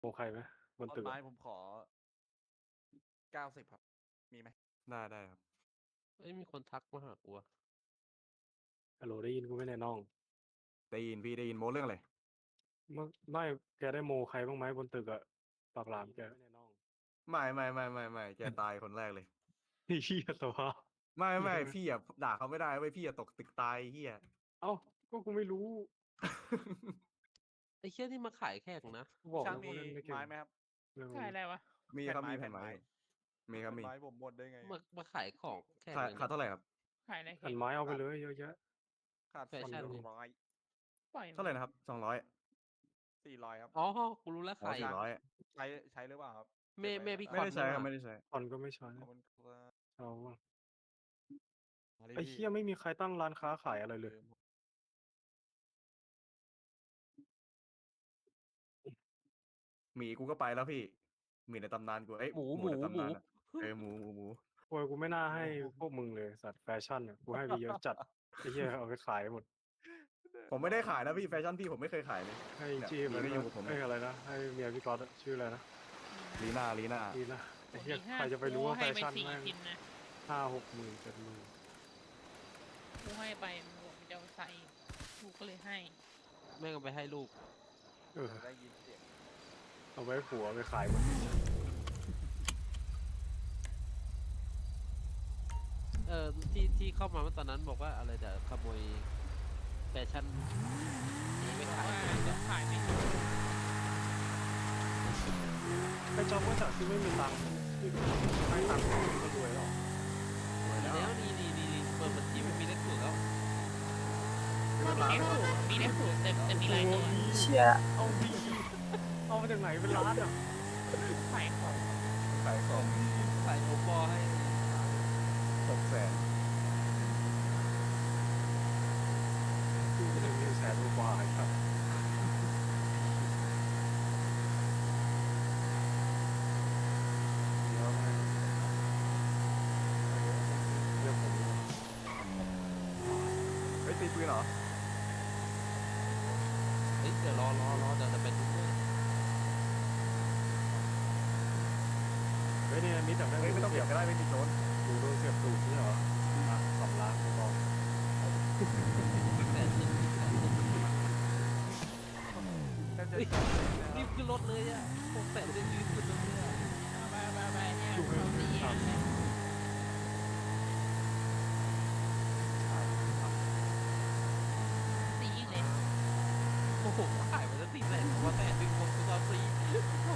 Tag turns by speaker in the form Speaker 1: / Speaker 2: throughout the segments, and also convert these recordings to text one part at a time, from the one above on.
Speaker 1: โมใครไหมบน
Speaker 2: ต้น
Speaker 1: ตึก
Speaker 2: ไม้
Speaker 1: อะ
Speaker 2: ผมขอ 90 ครับ มีไหม?
Speaker 3: ได้ครับ
Speaker 4: เฮ้ย มีคนทักมาหากูอะ
Speaker 1: ฮัลโหล ได้ยินกูไหมเนี่ยน้อง?
Speaker 3: ได้ยินพี่ ได้ยิน โม้เรื่องอะไร?
Speaker 1: ไม่ แกได้โมใครบ้างไหมบนตึกอะ ปากหลามแก
Speaker 3: ไม่ แกตายคนแรกเลย
Speaker 1: ไอ้เหี้ย สภาพ
Speaker 3: ไม่ พี่อะด่าเขาไม่ได้เว้ย พี่อะตกตึกตายไอ้เหี้ย
Speaker 1: อ้าว ก็กูไม่รู้
Speaker 4: ไอ้เหี้ยนี่มาขายแข่งนะ
Speaker 1: กูบอก
Speaker 2: ช่าง
Speaker 1: แล้ว
Speaker 2: มี
Speaker 1: กูเล่นไม่เก่
Speaker 2: ไม้
Speaker 1: ง
Speaker 2: ไหมครับ?
Speaker 1: ไม่
Speaker 5: ขายอะไรวะ?
Speaker 3: มีครับ มีแผ่นไม้ มีครับ
Speaker 2: แผ่น
Speaker 3: มี
Speaker 2: ไม้ผมหมดได้ไงอะ?
Speaker 4: มาขายของแข่ง
Speaker 3: ขา
Speaker 4: เลย
Speaker 3: ขาดเท่าไรครับ?
Speaker 5: ขายอะไร
Speaker 1: แผ่นไม้เอาไปเลยเยอะแยะ
Speaker 2: ขาด
Speaker 4: แฟชั่น
Speaker 2: 200
Speaker 5: ปล่อย
Speaker 3: เท่าไรนะครับ? 200
Speaker 2: 400 ครับ
Speaker 4: อ๋อ กูรู้แล้ว
Speaker 3: อ๋
Speaker 4: ใค
Speaker 3: อ
Speaker 4: ร
Speaker 3: 400
Speaker 2: ใช้หรือเปล่าครับ?
Speaker 4: แม่พี่
Speaker 3: ไม่ได้ใช้ครับ ไม่ได้ใช้
Speaker 1: คอนก็ไม่ใช้
Speaker 2: ขอบคุณครับ
Speaker 1: เอาอะ
Speaker 2: มาดิ
Speaker 1: ไอ้
Speaker 2: พี่
Speaker 1: เหี้ย ไม่มีใครตั้งร้านค้าขายอะไรเลย
Speaker 3: หมีกูก็ไปแล้วพี่ หมีในตำนานกู เอ๊ย
Speaker 4: หมู
Speaker 3: ในตำนานอะ เออ หมู
Speaker 1: โอ๊ย กูไม่น่าให้พวกมึงเลยสัตว์ แฟชั่นอะ กูให้ไปเยอะจัด ไอ้เหี้ย เอาไปขายหมด
Speaker 3: ผมไม่ได้ขายนะพี่ แฟชั่นพี่ผมไม่เคยขายเลย
Speaker 1: ให้
Speaker 3: เนี่ย
Speaker 1: จี้
Speaker 3: หมี
Speaker 1: มัน
Speaker 3: ก็อยู่กับผม
Speaker 1: เอ้
Speaker 3: เนี่ย ย
Speaker 1: อะไรนะ ให้เมียพี่ก๊อตอะ ชื่ออะไรนะ
Speaker 3: ลีน่า
Speaker 1: ลีน่า ไอ้เหี้ย
Speaker 5: อีก
Speaker 1: ใครจะไปรู้ว่า
Speaker 5: กู
Speaker 1: แฟ
Speaker 5: ให้ไป
Speaker 1: ชั่น
Speaker 5: 4
Speaker 1: แม่ง
Speaker 5: ชิ้นนะ
Speaker 1: 5-6 หมื่น 7 หมื่น
Speaker 5: กูให้ไป มันบอกมันจะเอาใส่ กูก็เลยให้
Speaker 4: แม่งเอาไปให้ลูก
Speaker 1: เออ
Speaker 2: ได้ยินเสียง
Speaker 1: เอาไว้ให้ผัวเอาไปขายหมด
Speaker 4: ที่เข้ามาเมื่อตอนนั้นบอกว่าอะไรจะขโมยแฟชั่นนี้ไปขาย
Speaker 5: ว่าจะขายไม่ถูก
Speaker 1: ไอ้จ๊อบก็จากที่ไม่มีตังค์ที่ให้ตังค์ก็รวยแล้ว
Speaker 4: แล้วนี่เปิดบัญชีมันมีเลขสูตรแล้ว
Speaker 5: มีเลขสูตรแต่มีหลายตัว
Speaker 1: เชี่ยเอาดีเอามาจากไหนเป็นล้านอ่ะ
Speaker 5: ขายของ
Speaker 3: ขายของ
Speaker 4: ใส่โอปอให้
Speaker 3: 600,000
Speaker 1: คือ100,000 กว่าครับเดี๋ยวผม
Speaker 3: เฮ้ย ตีปืนเหรอ?
Speaker 4: เฮ้ย เดี๋ยวรอ เดี๋ยวจะไปดูด้วย
Speaker 1: เฮ้ยเนี่ยมิดแต่
Speaker 3: เฮ้ย ไม่ต้องเก็บก็ได้ ไม่มีโจร
Speaker 1: ดูโดนเสียบตูดนี่เหรอ อ่ะ 2 ล้านกูบอก
Speaker 2: แทบจะ
Speaker 4: เฮ้ย
Speaker 2: ใช้เลยนะค
Speaker 4: รี
Speaker 2: รั
Speaker 4: บบ ขึ้นรถเลยอะ600,000ได้รีบขึ้นรถเลยอะ
Speaker 5: ไปเนี่ยเขาตีกันเลยตีเลย
Speaker 4: โอ้โหขายไปแล้ว400,000ผมว่า100,000ผมตอนฟรีโอ้โห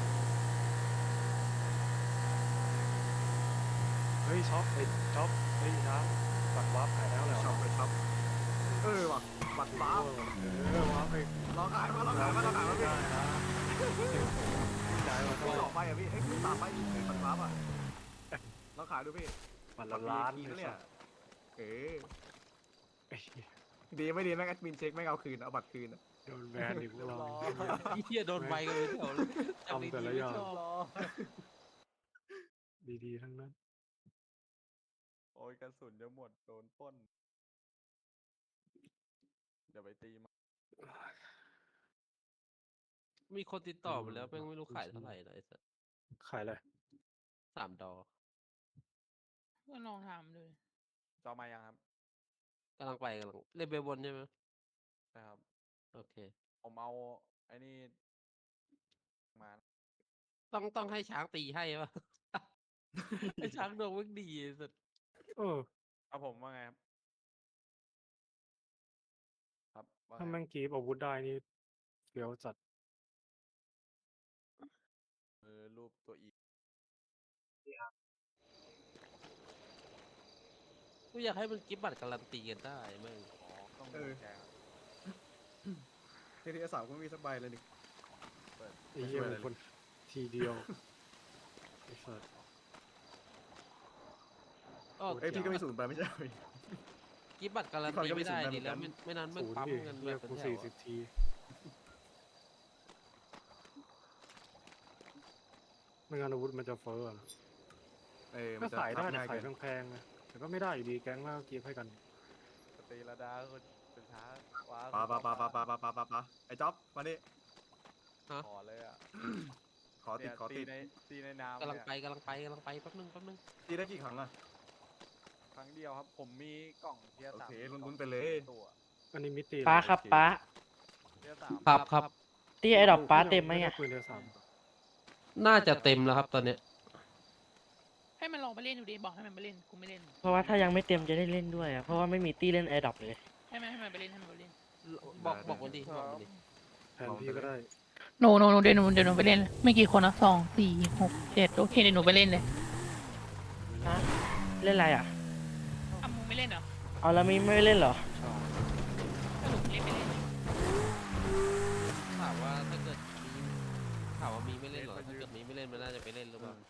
Speaker 1: เฮ้ยช็อปไอ้ช็อปเฮ้ยช้างบัตรวาร์ปขายแล้วเหรอ
Speaker 3: ช็อปไปช็อป เออว่ะ บัตรฟ้า
Speaker 1: วาร์ปไป
Speaker 3: ลองขายมาพี่
Speaker 1: ได้นะจ่ายมา
Speaker 3: ไม่
Speaker 1: เท่าไหร่
Speaker 3: ออกไปอ่ะพี่ เอ้ยตามไปดิบัตรฟ้าอ่ะลองขายดูพี่
Speaker 1: บัตรละล้าน
Speaker 3: บัตร VIP
Speaker 1: เล
Speaker 3: เนี่ย ย เออ
Speaker 1: ไอ้เหี้ย
Speaker 3: ดีไม่ดีแม่งแอดมินเช็คแม่งเอาคืน เอาบัตรคืนอะ
Speaker 1: โดนแบนอีกพวกเรา
Speaker 4: ไอ้เหี้ยโดนใบกันเลยแถวเลย
Speaker 1: ทำแต่ละอย่าง
Speaker 4: จำดีๆไม่ชอบ
Speaker 1: ดีๆทั้งนั้น
Speaker 2: โอ๊ย กระสุนจะหมด โดนปล้น เดี๋ยวไปตีมัน
Speaker 4: มีคนติดต่อมาแล้วแม่งไม่รู้ขายเท่าไหร่นะไอ้สัส
Speaker 1: ขายอะไร
Speaker 4: $3
Speaker 5: ก็ลองถามดู
Speaker 2: จองมายังครับ?
Speaker 4: กำลังเล่นเบลบนใช่ไหม?
Speaker 2: ใช่ครับ
Speaker 4: โอเค
Speaker 2: ผมเอาไอ้นี่ มา
Speaker 4: ต้องให้ช้างตีให้เปล่า? ไอ้ช้างดวงแม่งดีไอ้สัส
Speaker 2: เอาผมว่าไงครับ? ครับ ว่า
Speaker 1: ถ้า
Speaker 2: ไง?
Speaker 1: แม่งกรีฟอาวุธได้นี่เฟี้ยวจัด
Speaker 2: รูปตัว E
Speaker 4: กูอยากให้มันกิฟต์บัตรการันตีกันได้แม่ง
Speaker 2: อ๋อ ต้อง
Speaker 3: เอ
Speaker 2: ดู
Speaker 3: อ
Speaker 2: แชร์ครับ
Speaker 3: TTS 3 ก็ไม่มีสักใบเลยดิ
Speaker 1: ไอ้เหี้ยเป็นคนทีเดียว ไอ้สัส
Speaker 3: เอ้ยพี่ก็มี0 ใบไม่ใช่เหรอ?
Speaker 4: กิฟต์บัตรการันตีไม่ได้ดิแล้วไม่นั้นแม่ง
Speaker 1: 0
Speaker 4: ปั๊ม
Speaker 1: ดิ
Speaker 4: กัน
Speaker 1: เหี้
Speaker 4: แบ
Speaker 1: ย
Speaker 4: บเป็
Speaker 1: กู
Speaker 4: นแถวอะ
Speaker 1: 40 ที ไม่งั้นอาวุธมันจะเฟ้ออะ
Speaker 3: เออ มั
Speaker 1: ก็
Speaker 3: นจะ
Speaker 1: ขายได้
Speaker 3: ทับ
Speaker 1: แต่
Speaker 3: ง่าย
Speaker 1: ขา
Speaker 3: เกิ
Speaker 1: ย
Speaker 3: น
Speaker 1: แพงๆไงแต่ก็ไม่ได้อยู่ดีแก๊งก็กรีฟให้กัน
Speaker 2: สตรีระดาคนเป็นช้าว้า
Speaker 3: ปะ ไอ้จ๊อบ มาดิ
Speaker 4: ฮะ
Speaker 2: ขอเลยอ่ะ
Speaker 3: ขอติด
Speaker 2: เนี่ย
Speaker 3: ขอติด
Speaker 2: ตีในน้ำ
Speaker 4: กำลัง
Speaker 2: เนี่ย
Speaker 4: ไปกำลังไปกำลังไปแป๊บนึง
Speaker 3: ตีได้กี่ครั้งอะ
Speaker 2: ครั้งเดียวครับ ผมมีกล่องเทียร์
Speaker 3: โอ
Speaker 2: สาม
Speaker 3: เค
Speaker 2: กล่อง
Speaker 3: ลุ้นๆไปเลย
Speaker 2: ตัว
Speaker 1: อันนี้มิติ
Speaker 6: ป้าครับป้า
Speaker 2: เทียร์สาม
Speaker 4: ครับ
Speaker 6: ที่ไอ้ดอกป้าเต็มไหม
Speaker 1: ด้
Speaker 6: อ่ะ
Speaker 1: ปืนเดียวสาม
Speaker 4: น่าจะเต็มแล้วครับตอนเนี้ย
Speaker 5: ให้มันลองไปเล่นดูดิบอกให้มันไปเล่นกูไม่เล่น
Speaker 6: เพราะว่าถ้ายังไม่เต็มจะได้เล่นด้วยอ่ะ เพราะว่าไม่มีตี้เล่นไอ้ดอกเลย
Speaker 5: ให้มันไปเล่นให้มันไปเล่น
Speaker 4: บอกวันดีบอกวันดี
Speaker 1: แทนพี่ก็ได้
Speaker 5: หนูเดี๋ยวหนูไปเล่นเลยไม่กี่คนนะ2 4 6 7โอเคเดี๋ยวหนูไปเล่นเลย
Speaker 6: ฮะ เล่นอะไรอ่ะ
Speaker 5: อ้าวมึงไม่เล่นเหรอ
Speaker 6: เอาแล้วมีไม่เล่นเหรอ
Speaker 1: ใช่
Speaker 5: ก็หนูเล่นไปเล่นเลย
Speaker 4: ถามว่าถ้าเกิดมีถามว่ามีไม่เล่นเหรอถ้าเกิดมีไม่เล่นมันน่าจะไปเล่นหรือเปล่า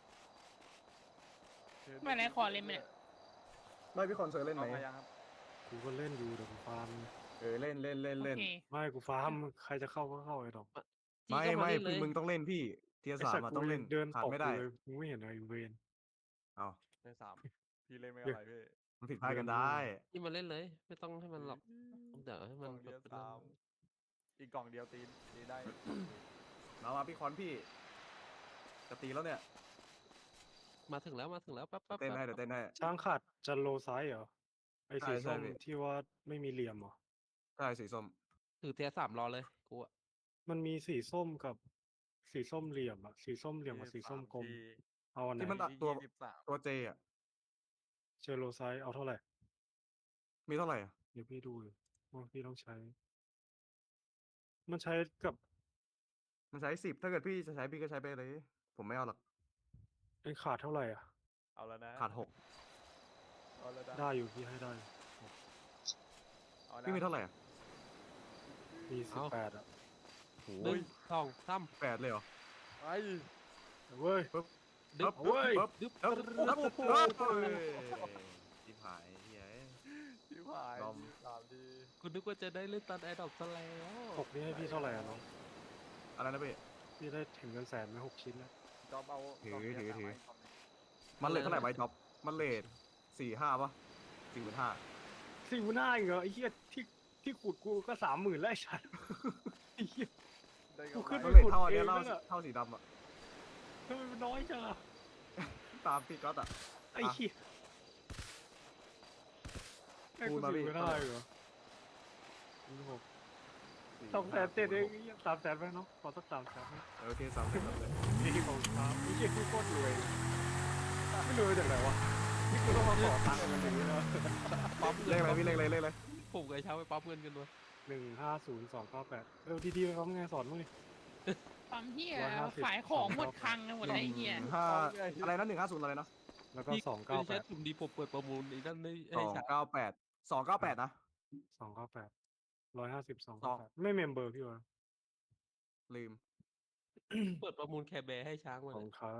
Speaker 5: ไม่ไรขอเล่นไปเนี่ย
Speaker 3: ไม่พี่คอนเสิร์ตเล่นไหม
Speaker 2: เอามายังครับ
Speaker 1: กูก็เล่นอยู่เดี๋ยวกูฟาร์ม
Speaker 3: เล่น
Speaker 5: โอ
Speaker 3: เล่น
Speaker 5: เค
Speaker 1: ไม่กูฟาร์มใครจะเข้าก็เข้าไอ้ดอก
Speaker 3: ไม่
Speaker 4: พี่ก็า
Speaker 3: ไม่
Speaker 4: เล่นเลย
Speaker 3: มึงต้องเล่นพี่ เทียร์
Speaker 1: ไอ้
Speaker 3: สา
Speaker 1: สั
Speaker 3: ม
Speaker 1: ตว์
Speaker 3: อะ
Speaker 1: กู
Speaker 3: ต้องเล่น
Speaker 1: เดิน
Speaker 3: ขาด
Speaker 1: ตก
Speaker 3: ไม่
Speaker 1: กู
Speaker 3: ได้
Speaker 1: เลยมึงไม่เห็นอะไรเวน
Speaker 3: เอา
Speaker 2: เทียร์สามพี่เล่นไม่อะไรพี่
Speaker 3: มันผิดพลาดกันได้
Speaker 4: ที่มันเล่นเลย ไม่ต้องให้มันหรอกเดี๋ยวให้
Speaker 2: ก
Speaker 4: มั
Speaker 2: ล่
Speaker 4: น
Speaker 2: องเทียร์
Speaker 4: เป็น
Speaker 2: สามอีกกล่องเดียวตีได้
Speaker 3: มาพี่คอนพี่ จะตีแล้วเนี่ย
Speaker 4: มาถึงแล้วแป๊บ
Speaker 3: เต้นให้เดี๋ยวเต้นให้
Speaker 1: ช้างขาดจะโลไซส์เหรอไอ้สี
Speaker 3: ใช่
Speaker 1: ส้ม
Speaker 3: พี่
Speaker 1: ที่ว่าไม่มีเหลี่ยมเหรอ
Speaker 3: ใช่สีส้ม
Speaker 4: ถือเทียร์สามรอเลยกูอะ
Speaker 1: มันมีสีส้มกับสีส้มเหลี่ยมอะสีส้มเหลี่ยมกับสีส้มกลมเอาอันไหน
Speaker 3: ที่มันตัดตัว
Speaker 2: 23
Speaker 3: ตัวเจอะ
Speaker 1: เจอโลไซส์เอาเท่าไหร่
Speaker 3: มีเท่าไหร่อะ
Speaker 1: เดี๋ยวพี่ดูเลยว่าพี่ต้องใช้ มันใช้กับ
Speaker 3: มันใช้10ถ้าเกิดพี่จะใช้พี่ก็ใช้ไปเลย ผมไม่เอาหรอก
Speaker 1: ไอ้ขาดเท่าไหร่อ่ะ
Speaker 2: เอาแล้วนะ
Speaker 3: ขาด
Speaker 2: เอาแล้วนะ
Speaker 1: ได้อยู่พี่ให้ได้
Speaker 2: เอา
Speaker 3: 6
Speaker 2: นะ
Speaker 3: พี่มีเท่าไหร่อะ
Speaker 1: มี18อ่ะ
Speaker 4: หนึ่งสองสาม
Speaker 3: 8เลยเหรอ
Speaker 2: ไอ้
Speaker 1: เว้ย
Speaker 3: ปึ๊บ
Speaker 4: ดึ๊บ
Speaker 1: เว้ย
Speaker 3: ปึ๊บ
Speaker 4: ดึ๊บ
Speaker 3: ปึ๊บ
Speaker 4: ปึ๊บ
Speaker 3: ปึ๊บ
Speaker 4: โอ้
Speaker 3: ปึ๊บ
Speaker 4: โห
Speaker 3: เฮ้ยชิบหายเฮ้ย
Speaker 2: ชิบหาย
Speaker 3: ลอม
Speaker 2: 3 ที
Speaker 4: กูนึกว่าจะได้เล่นตอนแอร์ดรอปซะแล้ว
Speaker 1: 6นี่ให้พี่เท่าไหร่อ่ะน้อง
Speaker 3: อะไรนะพี่
Speaker 1: พี่ได้ถึงเงินแสนไหม6 ชิ้นแล้ว
Speaker 2: จอบเอา
Speaker 3: ถือก
Speaker 2: ล่งเทียร์
Speaker 3: ถือ
Speaker 2: สามให้กล่องหนึ่ง
Speaker 3: มันเลทเท่าไหร่ใบจ็อบมันเลท4-5ป่ะ45,000
Speaker 1: สี่หน้าอีกเหรอไอ้เหี้ยที่ขุดกูก็30,000แล้วไอ้สัสไอ้เหี้ย
Speaker 2: ได้
Speaker 1: กู
Speaker 2: กำไร
Speaker 1: ขึ้น
Speaker 3: มัน
Speaker 1: ไป
Speaker 3: เลทเท่าอันเนี้ย
Speaker 1: ขุดเอง
Speaker 3: เท่าสีดำอะ
Speaker 1: ทำไมมันน้อยจังอะ
Speaker 3: ตามพี่ก๊อตอะ
Speaker 1: ไอ้เหี้ยไอ้
Speaker 3: คู
Speaker 1: กู
Speaker 3: ณมา
Speaker 1: ถื
Speaker 3: พี่
Speaker 1: อไม่ได้เหรอ200,000เอง300,000ไหมน้องขอสัก300,000ไหม
Speaker 3: โอเค300,000เลย
Speaker 1: นี่ของครับไอ้เหี้ยกูโคตรรวยไม่รวยจากไหนวะนี่กูต้องมาขอตังค์มันอย่างนี้แล้ว
Speaker 4: ปั๊ม
Speaker 3: เลขอะไรพี่เลขอะไรเลขอะไร
Speaker 4: ผมกับไอ้เช้าไปปั๊มเงินกันวะ
Speaker 1: 150298ดีๆไปเขาไงสอนมึงดิ
Speaker 5: ปั๊มเฮีย
Speaker 1: 150
Speaker 5: ขายของหมดคลังกันหมดแล้วไอ้เฮีย
Speaker 3: 5อะไรนะ150อะไรนะ
Speaker 1: แล้วก็
Speaker 4: พี่ไม่ใช่
Speaker 1: 298
Speaker 4: ถุ่มดีผมเปิดประมูลอีกนั่นเลยไอ้เช้า
Speaker 3: 298นะ
Speaker 1: 298 150 298ไม่เมมเบอร์พี่วะ
Speaker 3: ลืม
Speaker 4: เปิดประมูลแคร์แบร์ให้ช้างมา
Speaker 1: ของ
Speaker 4: เนี่ย
Speaker 1: เขา